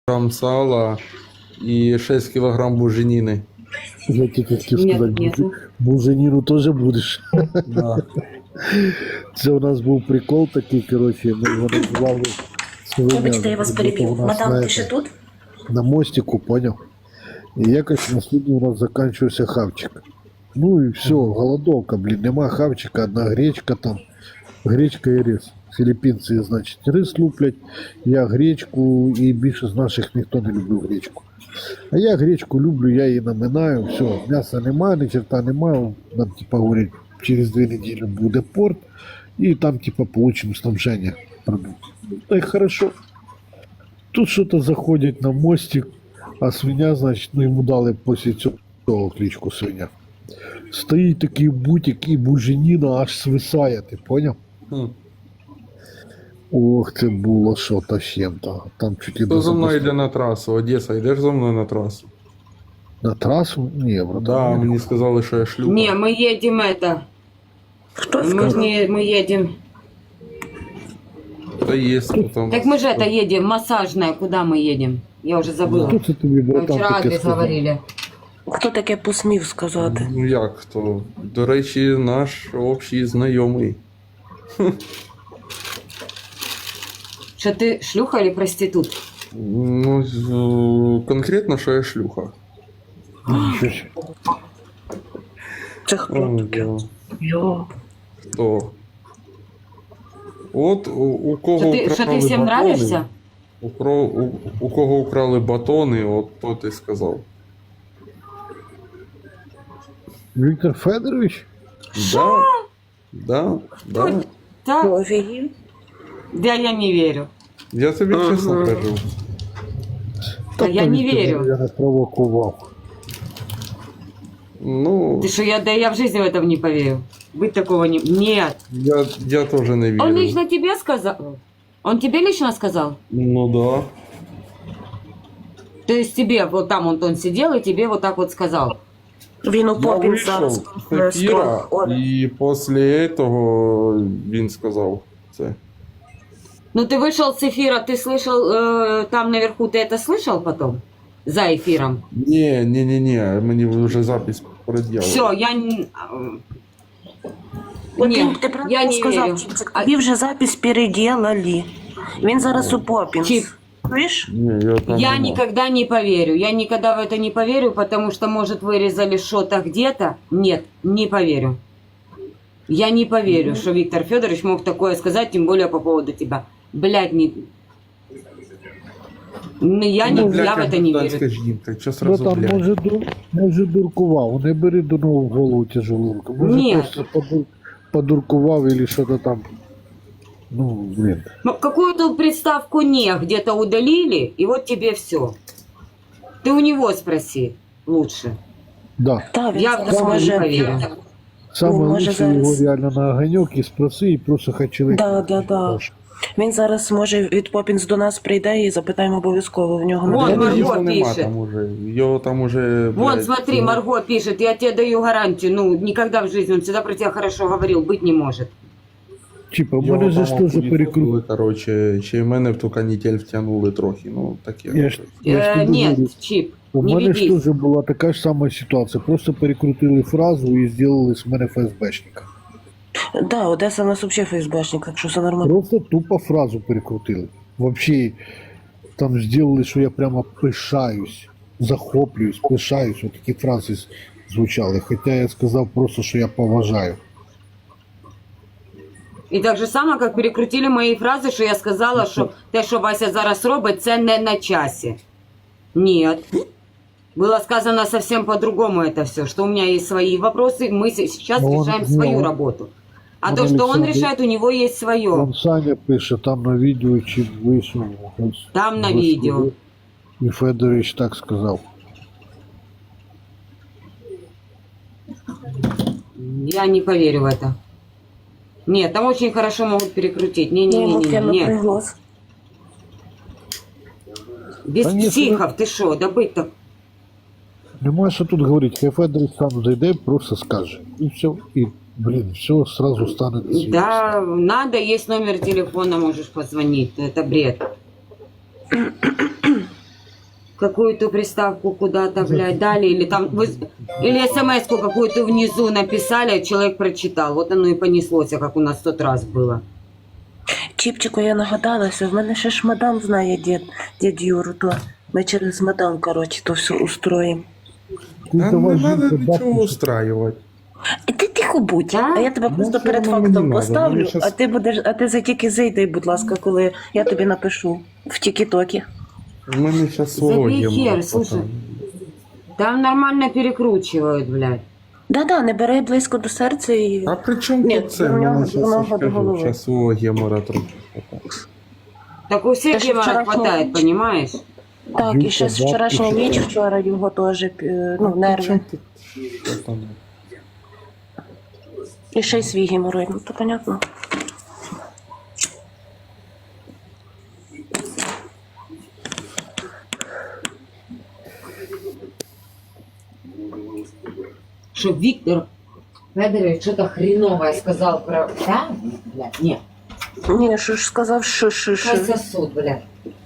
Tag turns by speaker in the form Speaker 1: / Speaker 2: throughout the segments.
Speaker 1: килограмм сала и 6 килограмм буженины.
Speaker 2: Я тебе хотів
Speaker 3: Нет,
Speaker 2: сказати,
Speaker 3: нету.
Speaker 2: буженіну теж будеш.
Speaker 1: Да.
Speaker 2: Це у нас був прикол такий, коротше, ми його називали
Speaker 4: Вибачте, я вас переб'ю. Мадам, ти ще тут?
Speaker 2: на мостику, поняв? І якось на судні у нас закінчився хавчик. Ну і все, голодовка, блін, нема хавчика, одна гречка там, гречка і рис. Філіппінці, значить, рис луплять, я гречку, і більше з наших ніхто не любив гречку. А я гречку люблю, я її наминаю, все, м'яса немає, ні черта немає, нам типа говорять, через 2 неділі буде порт, і там типа получим снабження продуктів. Ну, так хорошо. Тут що-то заходять на мостик, а свиня, значить, ну йому дали після цього кличку свиня. Стоїть такий бутик і буженіна аж свисає, ти поняв?
Speaker 1: Хм.
Speaker 2: Ох, це було що-то з чим-то. Там чуть і
Speaker 1: Хто за мною
Speaker 2: запустили.
Speaker 1: йде на трасу? Одеса, йдеш за мною на трасу?
Speaker 2: На трасу? Ні,
Speaker 1: Да,
Speaker 2: братан.
Speaker 1: мені сказали, що я шлюха.
Speaker 3: Не, мы едем это.
Speaker 4: Хто
Speaker 3: Мы,
Speaker 4: сказав?
Speaker 3: мы едем.
Speaker 1: Та є потім.
Speaker 3: Так мы же это едем, массажная. Куда мы едем? Я уже забыла.
Speaker 2: Хто це тобі,
Speaker 3: Мы
Speaker 2: братан,
Speaker 3: вчера
Speaker 2: таке
Speaker 3: адрес
Speaker 2: сказав?
Speaker 3: говорили.
Speaker 4: Хто таке посмів сказати?
Speaker 1: Ну як хто? До речі, наш общий знайомий.
Speaker 3: Что ты шлюха или проститут?
Speaker 1: Ну, конкретно, що я шлюха.
Speaker 2: Нічого себе.
Speaker 4: Це хто
Speaker 1: О,
Speaker 4: таке?
Speaker 1: да.
Speaker 4: Йо.
Speaker 1: Хто? От у кого
Speaker 3: Что ты
Speaker 1: украли
Speaker 3: всем
Speaker 1: батони,
Speaker 3: нравишься?
Speaker 1: у кого украли батони, от то ти сказав.
Speaker 2: Віктор Федорович?
Speaker 1: Да, да, да.
Speaker 3: Так,
Speaker 4: Офігів.
Speaker 3: да, я не верю.
Speaker 1: Я тобі чесно кажу.
Speaker 3: Да я не верю.
Speaker 2: Я не провокував.
Speaker 1: Ну,
Speaker 3: Ты что, я в жизни в это не поверю. Быть такого не... Нет.
Speaker 1: я теж не вірю.
Speaker 3: Он лично тебе сказал? Он тебе лично сказал?
Speaker 1: Ну да.
Speaker 3: То есть тебе, вот там он сидел и тебе вот так вот сказал?
Speaker 4: Він у
Speaker 1: Я
Speaker 4: попін зараз.
Speaker 1: вийшов з ефіра, і після цього він сказав це.
Speaker 3: Ну ты вышел с эфира, ты слышал там наверху, ты это слышал потом? За эфиром?
Speaker 1: Ні, мені вже запись пред'явили.
Speaker 3: Все, я не...
Speaker 4: От
Speaker 3: Ні,
Speaker 4: він, ти
Speaker 3: я
Speaker 4: правильно
Speaker 3: не
Speaker 4: сказав,
Speaker 3: вірю.
Speaker 4: Чіпчик, тобі вже запись переделали. Він зараз у попін.
Speaker 3: Чіп.
Speaker 4: Чуєш?
Speaker 1: Ні, я там
Speaker 3: Я
Speaker 1: нема.
Speaker 3: никогда не поверю. Я никогда в это не поверю, потому что, может, вырезали что-то где-то. Нет, не поверю. Я не поверю, что Виктор Федорович мог такое сказать, тем более по поводу тебя. Блядь, не... Ну, я в это не верю.
Speaker 1: Жінка, що сразу,
Speaker 2: Братан,
Speaker 1: блядь?
Speaker 2: може дуркував, не бери до нового в голову тяжелу руку. Може
Speaker 3: Ні.
Speaker 2: просто подуркував или що-то там. Ну, блін.
Speaker 3: Ну, какую-то приставку «не» где-то удалили, и вот тебе все. Ты у него спроси лучше.
Speaker 2: Да.
Speaker 4: Та, він
Speaker 3: Я в
Speaker 4: зараз
Speaker 3: такое не
Speaker 4: може...
Speaker 3: поверю.
Speaker 2: Саме
Speaker 4: може
Speaker 2: лучше його
Speaker 4: зараз.
Speaker 2: реально на огонек і спроси, і просто хай чоловік.
Speaker 4: Да. Він зараз, може, від Попінс до нас прийде і запитаємо обов'язково в нього.
Speaker 3: Вон,
Speaker 4: на
Speaker 3: Марго
Speaker 1: Його нема
Speaker 3: пише.
Speaker 1: там уже. Його там уже,
Speaker 3: Вон,
Speaker 1: блядь,
Speaker 3: смотри, Марго пишет, я тебе даю гарантию. Ну, никогда в жизни, он всегда про тебя хорошо говорил, быть не может.
Speaker 2: Типа, в
Speaker 1: Його
Speaker 2: мене же
Speaker 1: там
Speaker 2: ж теж
Speaker 1: окуні
Speaker 2: перекрутили.
Speaker 1: втопили, короче, чи й мене в ту канітель втягнули трохи, ну таке.
Speaker 2: Я ж тобі говорю.
Speaker 3: Нет, Чип,
Speaker 2: У
Speaker 3: не
Speaker 2: мене ж
Speaker 3: ведись.
Speaker 2: теж була така ж сама ситуація. Просто перекрутили фразу і зробили з мене ФСБшника.
Speaker 4: Да, Одеса у нас взагалі ФСБшник, так що все нормально.
Speaker 2: Просто тупо фразу перекрутили. Вообще там зробили, що я прямо пишаюсь, захоплююсь, пишаюсь. Ось такі фрази звучали. Хоча я сказав просто, що я поважаю.
Speaker 3: І так же само, як перекрутили мої фрази, що я сказала, що те, що Вася зараз робить, це не на часі. Нет. Было сказано совсем по-другому это все, что у меня есть свои вопросы, мы сейчас
Speaker 2: Ну, он-
Speaker 3: решаем свою
Speaker 2: ну,
Speaker 3: работу. А
Speaker 2: он
Speaker 3: то, что он
Speaker 2: Александр-
Speaker 3: решает, у него есть свое.
Speaker 2: Там Саня пише, там на відео чи вийшов. ось,
Speaker 3: Там на
Speaker 2: Господи.
Speaker 3: відео.
Speaker 2: І Федорович так сказав.
Speaker 3: Я не поверю в это. Нет, там очень хорошо могут перекрутить.
Speaker 4: Я йому
Speaker 3: Не-не-не,
Speaker 4: кину
Speaker 3: нет.
Speaker 4: приголос.
Speaker 3: Без
Speaker 2: Конечно.
Speaker 3: психов, ты что, да быть так.
Speaker 2: Нема що тут говорити, хай Федорович сам зайде, просто скаже. І все, і, блін, все сразу стане до світу.
Speaker 3: Да, надо, есть номер телефона, можешь позвонить. Это бред. какую-то приставку куда-то, блядь, дали, или там, или смс-ку какую-то внизу написали, человек прочитал. Вот оно и понеслось, как у нас в тот раз было.
Speaker 4: Чіпчику, я нагадалася, в мене ще ж мадам знає дід Юру, то ми через мадам, коротше, то все устроїмо.
Speaker 2: Ты
Speaker 1: Нам
Speaker 2: давай
Speaker 1: не надо
Speaker 2: жінку
Speaker 1: нічого
Speaker 2: бабку
Speaker 1: устраивать.
Speaker 4: І ти тихо будь, а я тебе просто
Speaker 1: все
Speaker 4: перед
Speaker 1: одно мені
Speaker 4: фактом
Speaker 1: надо,
Speaker 4: поставлю,
Speaker 1: мені щас-
Speaker 4: а ти за тільки зайди, будь ласка, коли я тобі напишу в тік-токі.
Speaker 1: У мене зараз свого
Speaker 3: Забей
Speaker 1: є
Speaker 3: хер,
Speaker 1: мало,
Speaker 3: слушай.
Speaker 1: пацан.
Speaker 3: Там нормально перекручивают, блядь.
Speaker 4: Да-да, не бери близько до серця і...
Speaker 1: А при чому
Speaker 4: Ні,
Speaker 1: тут це?
Speaker 4: у
Speaker 1: У
Speaker 4: нього-
Speaker 1: мене
Speaker 4: у
Speaker 1: зараз
Speaker 4: нього до
Speaker 1: скажу,
Speaker 4: голови.
Speaker 1: зараз свого гемора трохи.
Speaker 3: Так у всех
Speaker 4: Та ж
Speaker 3: гемора
Speaker 4: вчорашнього-
Speaker 3: хватает, понимаешь?
Speaker 4: Так, і ще з
Speaker 2: Юлька,
Speaker 4: вчорашня
Speaker 2: бабки,
Speaker 4: ніч
Speaker 2: що?
Speaker 4: вчора його теж, ну,
Speaker 1: При чому
Speaker 4: нерви.
Speaker 1: тут? Що там?
Speaker 4: І ще й свій геморой, ну то понятно.
Speaker 3: Что Виктор Федорович что-то хреновое сказал про... Да? Блядь, нет.
Speaker 4: Ні, що ж сказав, що.
Speaker 3: Пускай сосуд, блядь.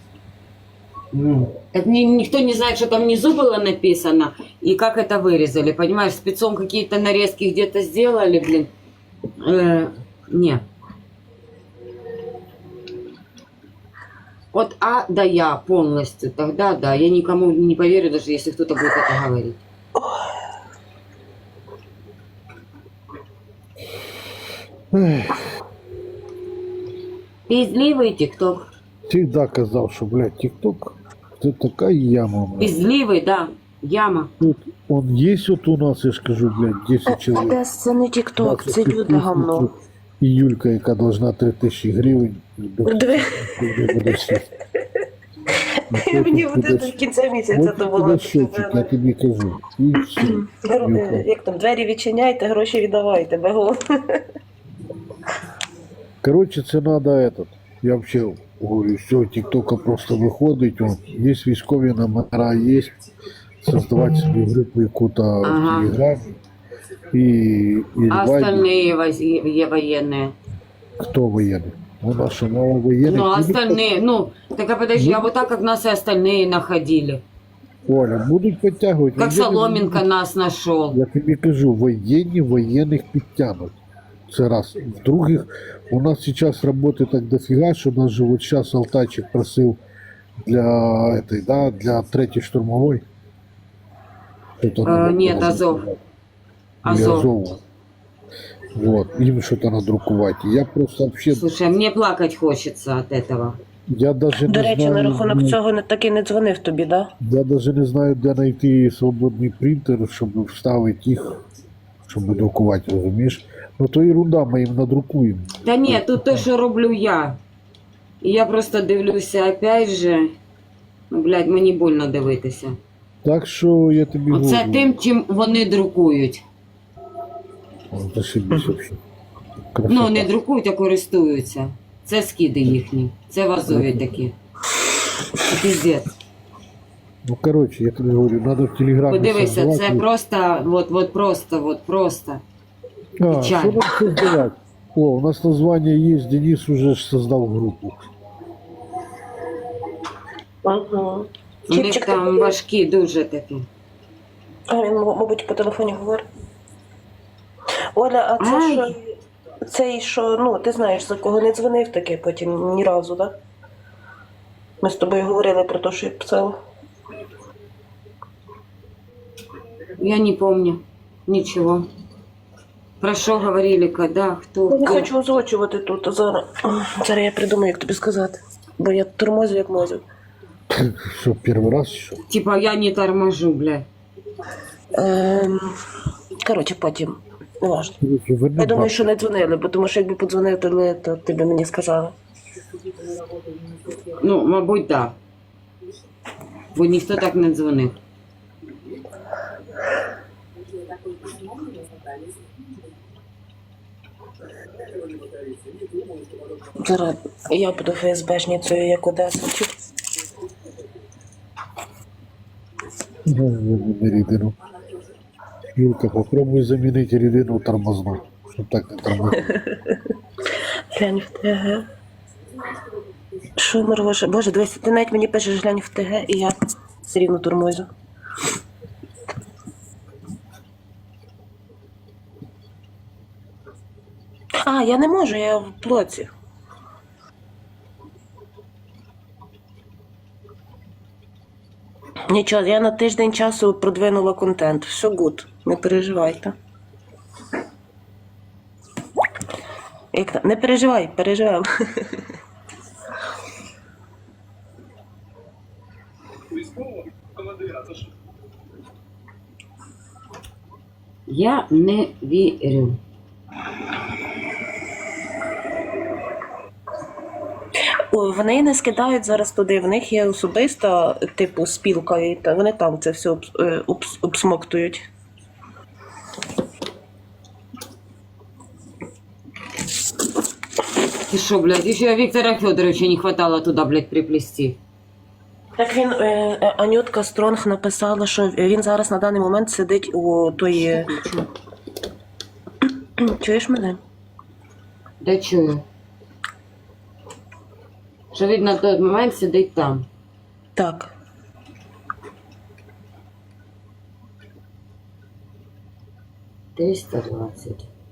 Speaker 3: Так никто не знает, что там внизу было написано и как это вырезали, понимаешь? Спецом какие-то нарезки где-то сделали, блин. Не. От А до Я полностью, тогда да. Я никому не поверю, даже если кто-то будет это говорить.
Speaker 2: Ех,
Speaker 3: Пиздливый ТикТок.
Speaker 2: всегда казав, що, блядь, ТикТок це така яма, блядь.
Speaker 3: Пиздливый, да. Яма.
Speaker 2: Тут он есть вот у нас, я ж кажу, блядь, 10 чоловік.
Speaker 4: Одес, це не тік-ток, це люди гамно.
Speaker 2: І Юлька, яка должна 3000 гривень.
Speaker 4: Диви, мені буде до кінця місяця то було.
Speaker 2: От счетчик, я тобі кажу. І все. Юлька.
Speaker 4: Як там, двері відчиняйте, гроші віддавайте, бегом.
Speaker 2: Короче, це надо этот. Я вообще говорю, все, ТикТока просто виходить, он, є військові номера, є, создавати собі групу яку-то в
Speaker 3: Ага.
Speaker 2: Телеграмі. І
Speaker 3: А остальные военные.
Speaker 2: Хто воєнний? У нас що, мало воєнних?
Speaker 3: Ну, а остальные, ну, так а подожди, а вот так, как нас и остальные находили.
Speaker 2: Оля, будуть підтягувати.
Speaker 3: Как
Speaker 2: Воєнні-
Speaker 3: Соломенко нас нашел.
Speaker 2: Я тобі кажу, воєнних підтягнуть. Це раз. В-других, у нас зараз роботи так дофіга, що даже вот сейчас Алтайчик просив для этой, да, для 3-й штурмовой. Что-то надо
Speaker 3: нет,
Speaker 2: было
Speaker 3: Азов.
Speaker 2: заказать. Или
Speaker 3: Азов.
Speaker 2: Азову. Вот, им что-то надрукувати. Я просто вообще,
Speaker 3: Слушай, а мне плакать хочется от этого.
Speaker 2: я даже
Speaker 4: До
Speaker 2: не
Speaker 4: речі, на
Speaker 2: знаю,
Speaker 4: рахунок цього не так і не дзвонив тобі, да?
Speaker 2: я даже не знаю, де знайти свободний принтер, щоб вставити їх, щоб друкувати, розумієш? Ну то ерунда, ми їм надрукуємо.
Speaker 3: Да нет, тут то, что роблю я. І я просто дивлюся, опять же, ну, блядь, мені больно дивитися.
Speaker 2: Так що я тобі
Speaker 3: Оце
Speaker 2: говорю.
Speaker 3: тим, чим вони друкують.
Speaker 2: Зашибись вообще.
Speaker 3: Ну, не друкують, а користуються. Це скиди їхні. Це в Азові такі. Це піздець.
Speaker 2: Ну, короче, я тобі говорю, надо в Телеграмі
Speaker 3: Подивися,
Speaker 2: создавати.
Speaker 3: це просто, вот просто.
Speaker 2: А,
Speaker 3: печаль.
Speaker 2: що нам создавати? О, у нас название є, Денис уже ж создав групу.
Speaker 4: Угу.
Speaker 3: У них там важкі дуже такі.
Speaker 4: А він, мабуть, по телефоні говорить. Оля, а це
Speaker 3: Ай.
Speaker 4: що? Цей, що, ну, ти знаєш, за кого не дзвонив таки потім ні разу, так? Ми з тобою говорили про те, що я писала.
Speaker 3: Я не помню нічого. Про що говорили, коли, хто?
Speaker 4: Я не
Speaker 3: хто?
Speaker 4: хочу озвучувати тут, а зараз. Зараз я придумаю, як тобі сказати. Бо я тормозю, як мозю.
Speaker 2: Що, перший раз що?
Speaker 3: Типа я не торможу, бля.
Speaker 4: Коротше, потім. Не важно.
Speaker 2: Короче, верни
Speaker 4: Я думаю,
Speaker 2: бабки.
Speaker 4: що не дзвонили, бо тому що якби подзвонили, то ти б мені сказала.
Speaker 3: Ну, мабуть, так. Бо ніхто так не дзвонив.
Speaker 4: Зараз я буду ФСБшницею, як Одеса.
Speaker 2: Заміни рідину. Юлка, попробуй замінити рідину тормозну. Щоб так не тормозити.
Speaker 4: Глянь в ТГ. Що, Маргоша? Боже, дивись, ти навіть мені пишеш глянь в ТГ, і все рівно тормозю. А, я не можу, я в блоці. Нічого, я на тиждень часу продвинула контент. Все гуд, не переживайте. Як там? Не переживай, переживемо.
Speaker 3: Я не вірю.
Speaker 4: Ой, вони не скидають зараз туди, в них є особиста, типу, спілка, і вони там це все обсмоктують.
Speaker 3: Ты шо, блядь, еще Виктора Федоровича не хватало туда, блядь, приплести.
Speaker 4: Так він, Анютка Стронг написала, що він зараз на даний момент сидить у тої... Чуєш мене?
Speaker 3: Да чую. Що він на той момент сидить там.
Speaker 4: Так.
Speaker 3: $320.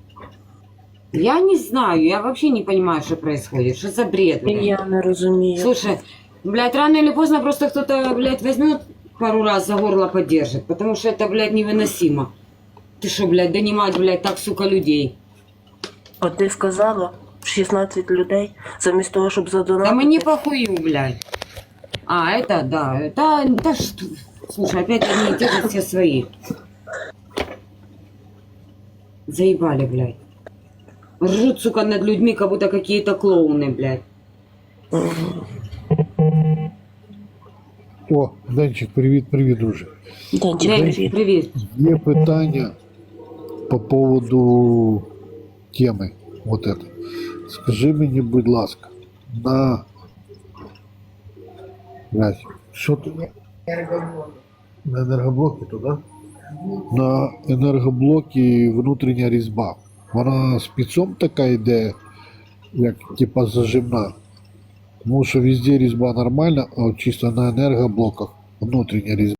Speaker 3: Я не знаю, я вообще не понимаю, что происходит. Что за бред, блядь?
Speaker 4: Я не розумію.
Speaker 3: Слушай, блядь, рано или поздно просто кто-то, блядь, возьмет пару раз за горло поддержит, потому что это, блядь, невыносимо. Ты что, блядь, донимать, блядь, так, сука, людей?
Speaker 4: От ти сказала, 16 людей, замість того, щоб задонатити.
Speaker 3: Да мне похую, блядь. А, это, да, да что... Слушай, опять одни и те же все свои. Заебали, блядь. Ржут, сука, над людьми, как будто какие-то клоуны, блядь.
Speaker 2: О, Денчик, привіт, друже.
Speaker 4: Денчик,
Speaker 3: Блядь,
Speaker 4: привіт.
Speaker 3: привет.
Speaker 2: Є питання по поводу теми. Вот это. Скажи мені, будь ласка, на... Блядь, що ти? На енергоблокі туди? На енергоблокі внутрішня різьба. Вона спецом така йде, як типа зажимна. Тому що везде різьба нормальна, а от чисто на енергоблоках внутрішня різьба.